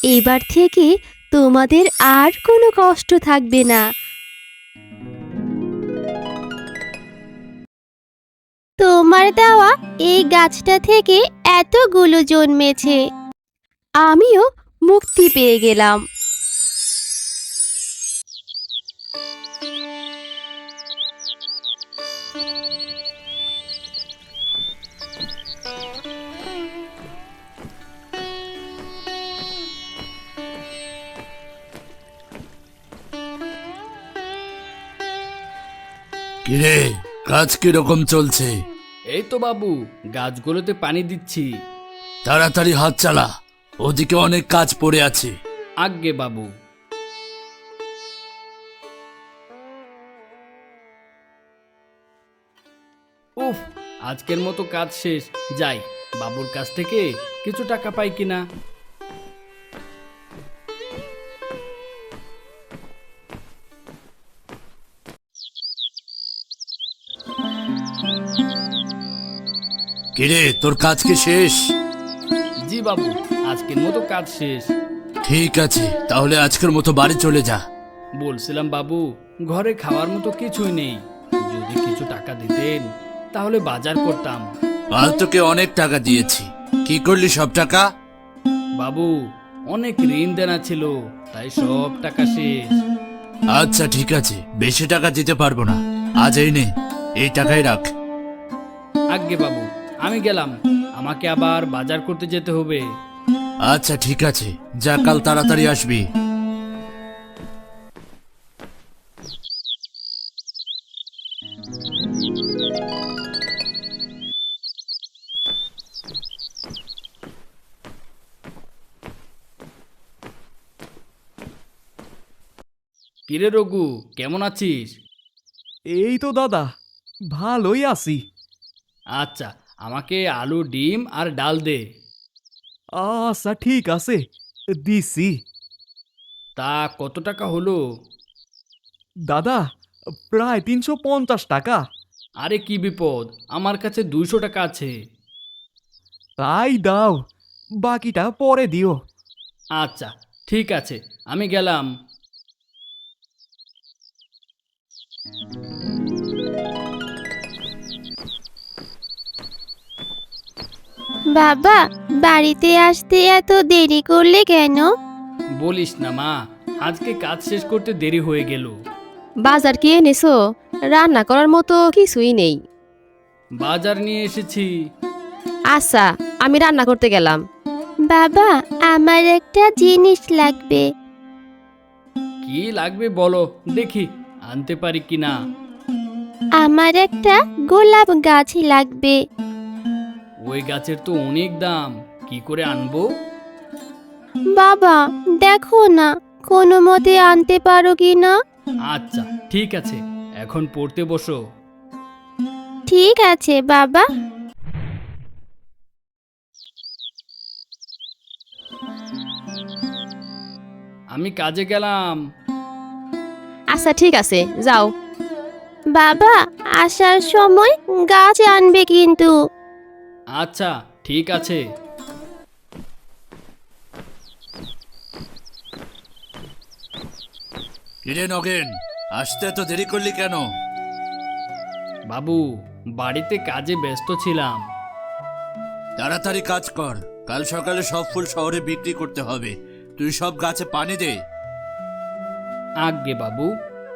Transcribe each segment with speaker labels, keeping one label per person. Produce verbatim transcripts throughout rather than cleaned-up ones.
Speaker 1: এবার থেকে তোমাদের আর কোনো কষ্ট থাকবে না। তোমার দেওয়া এই গাছটা থেকে এতগুলো জন্মেছে, আমিও মুক্তি পেয়ে গেলাম।
Speaker 2: কিরে, কাজ কিরকম চলছে?
Speaker 3: এই তো বাবু, গাছগুলোতে পানি দিচ্ছি।
Speaker 2: তাড়াতাড়ি হাত চালা, ওদিকে অনেক কাজ পড়ে আছে।
Speaker 3: আজ্ঞে বাবু। উফ, আজকের মতো কাজ শেষ। যাই, বাবুর কাছ থেকে কিছু টাকা পাই কিনা।
Speaker 2: কিরে, তোর কাজ কি শেষ?
Speaker 3: জি বাবু, আজকের মতো কাজ শেষ।
Speaker 2: ঠিক আছে, তাহলে আজকের মতো বাড়ি চলে যা।
Speaker 3: বলছিলাম বাবু, ঘরে খাওয়ার মতো কিছুই নেই। যদি কিছু টাকা দিতেন তাহলে বাজার করতাম।
Speaker 2: কাল তোকে অনেক টাকা দিয়েছি, কি করলি সব টাকা?
Speaker 3: বাবু, অনেক ঋণ দেনা ছিল, তাই সব টাকা শেষ।
Speaker 2: আচ্ছা ঠিক আছে, বেশি টাকা দিতে পারবো না, আজ এই নে, এই টাকাই রাখ।
Speaker 3: আজ্ঞে বাবু, আমি গেলাম। আমাকে আবার বাজার করতে যেতে হবে।
Speaker 2: আচ্ছা ঠিক আছে, যা, কাল তাড়াতাড়ি আসবি।
Speaker 3: কিরে রঘু, কেমন আছিস?
Speaker 4: এই তো দাদা, ভালোই আছি।
Speaker 3: আচ্ছা, আমাকে আলু, ডিম আর ডাল দে।
Speaker 4: আচ্ছা ঠিক আছে, দিছি।
Speaker 3: তা কত টাকা হলো?
Speaker 4: দাদা, প্রায় তিনশো পঞ্চাশ টাকা।
Speaker 3: আরে কি বিপদ, আমার কাছে দুইশো টাকা আছে।
Speaker 4: তাই দাও, বাকিটা পরে দিও।
Speaker 3: আচ্ছা ঠিক আছে, আমি গেলাম।
Speaker 1: বাবা, বাড়িতে আসতে এত দেরি করলে কেন?
Speaker 3: বলিস না মা, আজকে কাজ শেষ করতে দেরি হয়ে গেল।
Speaker 1: বাজার কি এনেছো? রান্না করার মতো কিছুই নেই।
Speaker 3: বাজার নিয়ে এসেছি।
Speaker 1: আচ্ছা, আমি রান্না করতে গেলাম। বাবা, আমার একটা জিনিস লাগবে।
Speaker 3: কি লাগবে বলো, দেখি আনতে পারি কিনা।
Speaker 1: আমার একটা গোলাপ গাছ লাগবে।
Speaker 3: ওই গাছের তো অনেক দাম, কি করে আনবো?
Speaker 1: বাবা, দেখো না, কোনো মতে আনতে পারো কি না?
Speaker 3: আচ্ছা ঠিক আছে, এখন পড়তে বসো।
Speaker 1: ঠিক আছে বাবা।
Speaker 3: আমি কাজে গেলাম।
Speaker 1: আচ্ছা ঠিক আছে, যাও। বাবা, আসার সময় গাছ আনবে কিন্তু।
Speaker 3: আচ্ছা ঠিক আছে।
Speaker 2: কিরে নগেন, আসতে তো দেরি করলি কেন?
Speaker 3: বাবু, বাড়িতে কাজে ব্যস্ত ছিলাম।
Speaker 2: তাড়াতাড়ি কাজ কর, কাল সকালে সব ফুল শহরে বিক্রি করতে হবে। তুই সব গাছে পানি দে।
Speaker 3: আজ্ঞে বাবু।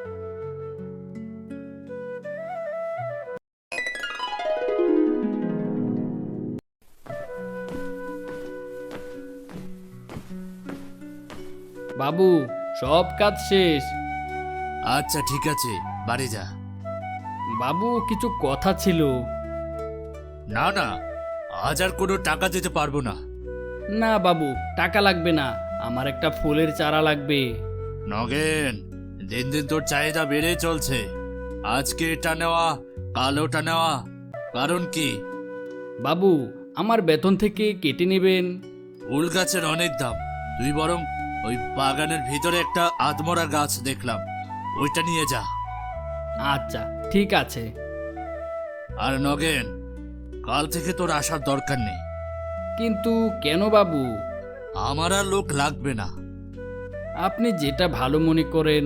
Speaker 3: বাবু, সব কাজ শেষ।
Speaker 2: আচ্ছা ঠিক আছে, বাড়ি যা।
Speaker 3: বাবু, কিছু কথা ছিল।
Speaker 2: না না, আজ আর কোনো টাকা দিতে পারবো না।
Speaker 3: না বাবু, টাকা লাগবে না, আমার একটা ফুলের চারা লাগবে।
Speaker 2: নগেন, দিন দিন তোর চাহিদা বেড়ে চলছে। আজকে এটা নেওয়া, কাল ওটা নেওয়া, কারণ কি?
Speaker 3: বাবু, আমার বেতন থেকে কেটে নেবেন।
Speaker 2: ফুল গাছের অনেক দাম, তুই বরং ওই বাগানের ভিতরে একটা আদমরা গাছ দেখলাম, ওইটা নিয়ে যা।
Speaker 3: আচ্ছা ঠিক আছে।
Speaker 2: আর নগেন, কাল থেকে তোর আসার দরকার নেই।
Speaker 3: কিন্তু কেন বাবু?
Speaker 2: আমার আর লোক লাগবে না।
Speaker 3: আপনি যেটা ভালো মনে করেন।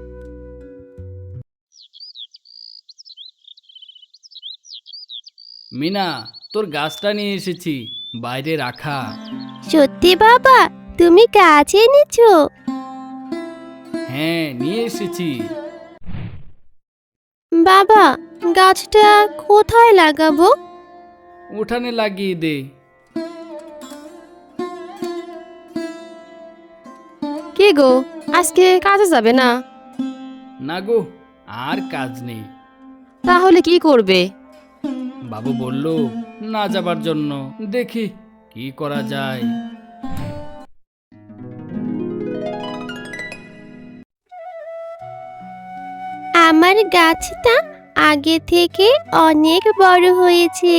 Speaker 3: মিনা, তোর গাছটা নিয়ে এসেছি, বাইরে রাখা।
Speaker 1: সত্যি বাবা, তুমি গাছ এনেছো?
Speaker 3: হ্যাঁ, নিয়ে এসেছি।
Speaker 1: বাবা, গাছটা কোথায় লাগাবো?
Speaker 3: উঠানে লাগিয়ে দে।
Speaker 1: কে গো, আজকে কাজে যাবে না?
Speaker 3: না গো, আর কাজ নেই।
Speaker 1: তাহলে কি করবে?
Speaker 3: বাবু বলল না যাবার জন্য, দেখি কি করা যায়।
Speaker 1: আমার গাছটা আগে থেকে অনেক বড় হয়েছে।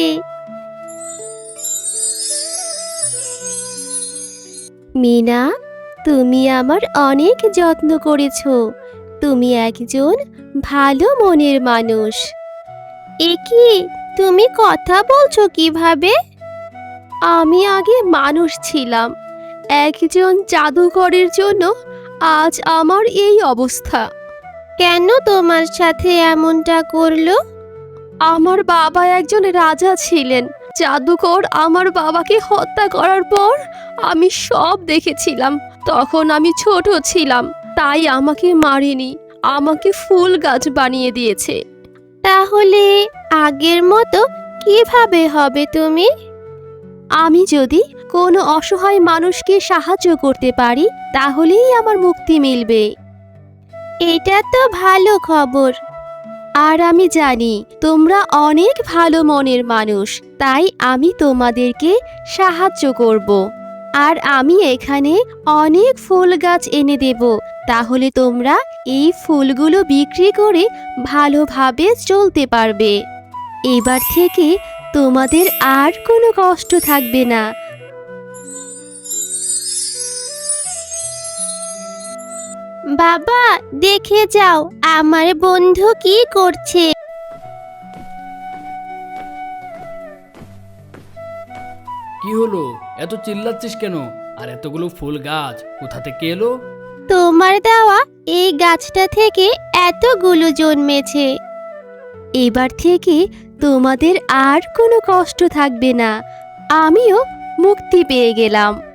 Speaker 1: মিনা, তুমি আমার অনেক যত্ন করেছো। তুমি একজন ভালো মনের মানুষ। এ কি, তুমি কথা বলছো কিভাবে? আমি আগে মানুষ ছিলাম, একজন জাদুকরের জন্য আজ আমার এই অবস্থা। কেন তোমার সাথে এমনটা করলো? আমার বাবা একজন রাজা ছিলেন। জাদুকর আমার বাবাকে হত্যা করার পর আমি সব দেখেছিলাম। তখন আমি ছোট ছিলাম, তাই আমাকে মারেনি, আমাকে ফুল গাছ বানিয়ে দিয়েছে। তাহলে আগের মতো কিভাবে হবে তুমি? আমি যদি কোনো অসহায় মানুষকে সাহায্য করতে পারি, তাহলেই আমার মুক্তি মিলবে। এটা তো ভালো খবর। আর আমি জানি তোমরা অনেক ভালো মনের মানুষ, তাই আমি তোমাদেরকে সাহায্য করব। আর আমি এখানে অনেক ফুল গাছ এনে দেব, তাহলে তোমরা এই ফুলগুলো বিক্রি করে ভালোভাবে চলতে পারবে। এবার থেকে তোমাদের আর কোনো কষ্ট থাকবে না। বাবা, দেখে যাও আমার বন্ধু কি করছে।
Speaker 3: কি হলো, এত চিল্লাচ্ছিস কেন? আর এতগুলো ফুল গাছ কোথা থেকে এলো?
Speaker 1: তোমার দেওয়া এই গাছটা থেকে এতগুলো জন্মেছে। এবার থেকে তোমাদের আর কোনো কষ্ট থাকবে না। আমিও মুক্তি পেয়ে গেলাম।